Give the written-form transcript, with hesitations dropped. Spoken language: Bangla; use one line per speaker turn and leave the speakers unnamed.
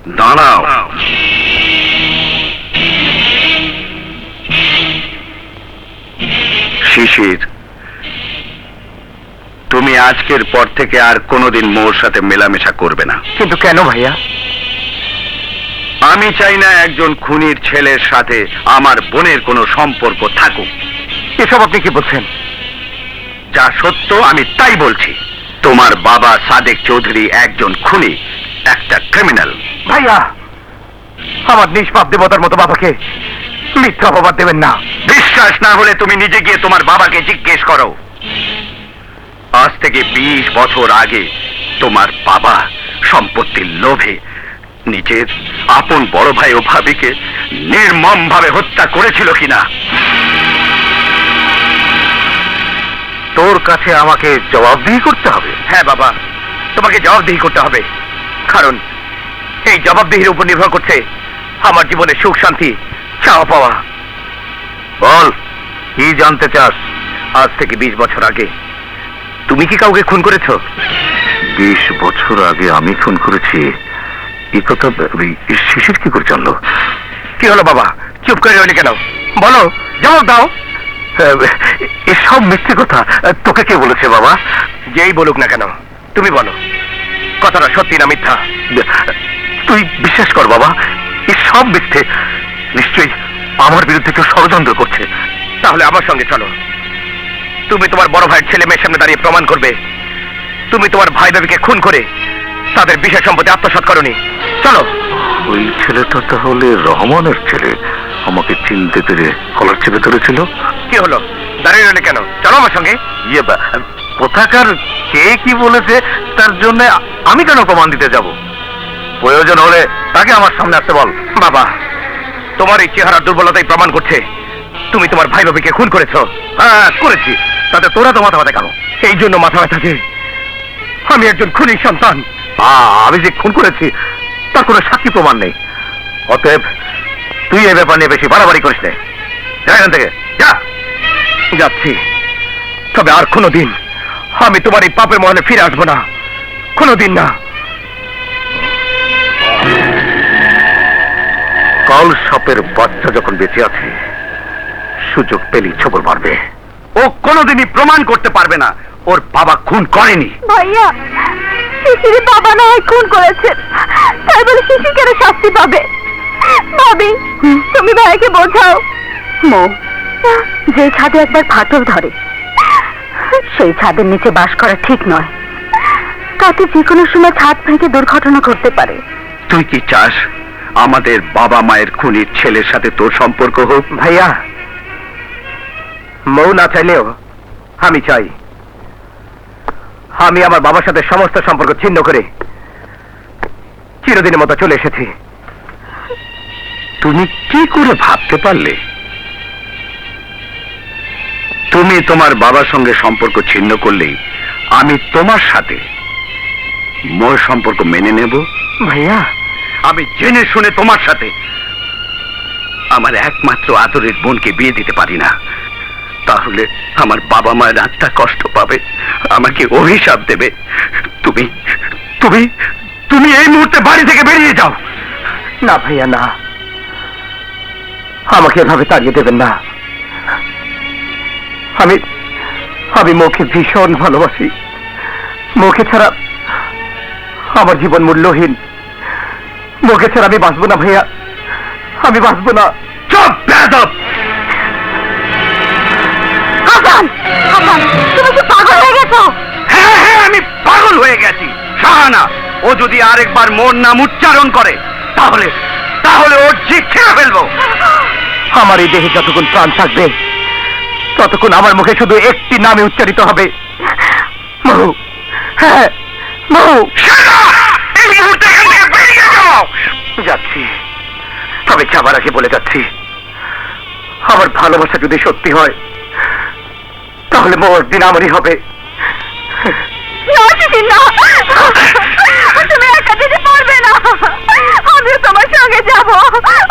দাঁড়াও। শিশির, তুমি আজকের পর থেকে আর কোনোদিন মোর সাথে মেলামেশা করবে না।
কিন্তু কেন ভাইয়া?
আমি চাই না একজন খুনির ছেলের সাথে আমার বোনের কোনো সম্পর্ক থাকুক।
এসব আপনি কি বলছেন?
যা সত্য আমি তাই বলছি। তোমার বাবা সাদেক চৌধুরী একজন খুনি, একটা ক্রিমিনাল।
ভাইয়া, আমার নিষ্পাপ দেবতার মতো বাবাকে মিথ্যা অপবাদ দেবেন না।
বিশ্বাস না হলে তুমি নিজে গিয়ে তোমার বাবাকে জিজ্ঞেস করো। আজ থেকে 20 বছর আগে তোমার বাবা সম্পত্তির লোভে নিজের আপন বড় ভাই ও ভাবিকে নির্মম ভাবে হত্যা করেছিল কিনা।
তোর কাছে আমাকে জবাবদিহি করতে হবে?
হ্যাঁ বাবা, তোমাকে জবাবদিহি করতে হবে, কারণ এই জবাবদিহির উপর নির্ভর করছে আমার জীবনের সুখ শান্তি চাওয়া পাওয়া।
বল, কি জানতে চাস?
আজ থেকে 20 বছর আগে তুমি কি কাউকে খুন করেছো?
20 বছর আগে আমি খুন করেছি, এই কথা শিশির কি করে জানলো?
কি হলো বাবা, চুপ করে রইলে কেন? বলো, জবাব দাও।
এসব মিথ্যে কথা তোকে কে বলেছে বাবা?
যেই বলুক না কেন, তুমি বলো কথাটা সত্যি না মিথ্যা।
তুই বিশ্বাস কর বাবা, এসব মিথ্যে। নিশ্চয়ই আমার বিরুদ্ধে কেউ ষড়যন্ত্র করছে।
তাহলে আমার সঙ্গে চলো, তুমি তোমার বড় ভাইয়ের ছেলে মেয়ের সামনে দাঁড়িয়ে প্রমাণ করবে তুমি তোমার ভাই ভাবিকে খুন করে তাদের বিশেষ সম্পত্তি আত্মসাৎ করনি। চলো।
ওই ছেলেটা তাহলে রহমানের ছেলে, আমাকে চিনতে পেরে কলার চেপে ধরেছিল।
কি হলো, দাঁড়িয়ে রইলে কেন? চলো আমার সঙ্গে।
কোথাকার কে কি বলেছে তার জন্য আমি কেন প্রমাণ দিতে যাব? প্রয়োজন হলে তাকে আমার সামনে আসতে বল।
বাবা, তোমার এই চেহারার দুর্বলতাই প্রমাণ করছে তুমি তোমার ভাই ভাবিকে খুন করেছো।
হ্যাঁ করেছি, তাতে তোরা তো মাথা ব্যথা কেন?
এই জন্য মাথা ব্যথা যে আমি একজন খুনির সন্তান।
আমি যে খুন করেছি তার কোনো সাক্ষী প্রমাণ নেই। অতএব তুই এই ব্যাপার নিয়ে বেশি বাড়াবাড়ি করিস না। যা এখান থেকে, যা।
যাচ্ছি, তবে আর কোনোদিন আমি তোমার এই পাপের মহলে ফিরে আসবো না, কোনোদিন না।
কাল সাপের বাচ্চা যখন বেঁচে আছে, সুযোগ পেলেই ছবল মারবে।
ও কোনোদিনই প্রমাণ করতে পারবে না ওর বাবা খুন করেনি।
ভাইয়া, শিশির বাবা না হয় খুন করেছে, তাই বলে শিশির কেন শাস্তি পাবে? ভাবি, তুমি ভাইকে বোঝাও। মো, যে ছাদে একবার ফাটল ধরে সেই ছাদের নিচে বাস করা ঠিক নয়। তাতে যে কোনো সময় ছাদ ভেঙে দুর্ঘটনা ঘটতে পারে।
তুই কি চাস আমাদের বাবা মায়ের খুনির ছেলের সাথে তোর সম্পর্ক হোক?
ভাইয়া, মৌ না চাইলেও আমি চাই। আমি আমার বাবার সাথে সমস্ত সম্পর্ক ছিন্ন করে চিরদিনের মতো চলে এসেছি।
তুমি কি করে ভাবতে পারলে তুমি তোমার বাবার সঙ্গে সম্পর্ক ছিন্ন করলেই আমি তোমার সাথে মোর সম্পর্ক মেনে নেব?
ভাইয়া,
আমি জেনে শুনে তোমার সাথে আমার একমাত্র আদরের বোনকে বিয়ে দিতে পারি না। তাহলে আমার বাবা মায়ের আত্মা কষ্ট পাবে, আমাকে অভিশাপ দেবে। তুমি তুমি তুমি এই মুহূর্তে বাড়ি থেকে বেরিয়ে যাও।
না ভাইয়া, না, আমাকে এভাবে তাড়িয়ে দেবেন না। আমি মৌকে ভীষণ ভালোবাসি। মৌকে ছাড়া আমার জীবন মূল্যহীন। মৌকে ছাড়া আমি বাঁচবো না ভাইয়া, আমি বাঁচবো না।
চুপ বেয়াদব!
হাসান, হাসান, তুমি কি পাগল হয়ে গেছো?
হ্যাঁ হ্যাঁ, আমি পাগল হয়ে গেছি। শাহানা, ও যদি আরেকবার মোর নাম উচ্চারণ করে তাহলে তাহলে ওর জিভ ছেড়ে ফেলবো।
আমার এই দেহে যতক্ষণ প্রাণ থাকবে ততক্ষণ আমার মুখে শুধু একটি নামে উচ্চারিত হবে, মৌ। হ্যাঁ, মৌ।
এই মুহূর্তে এখান থেকে বেরিয়ে যাও।
যাচ্ছি, তবে যাবার আগে বলে যাচ্ছি, আমার ভালোবাসা যদি সত্যি হয় তাহলে মৌ একদিন আমারই হবে।
না শিশির, না, তুমি একা যেতে পারবে না। আমিও তোমার সঙ্গে যাবো।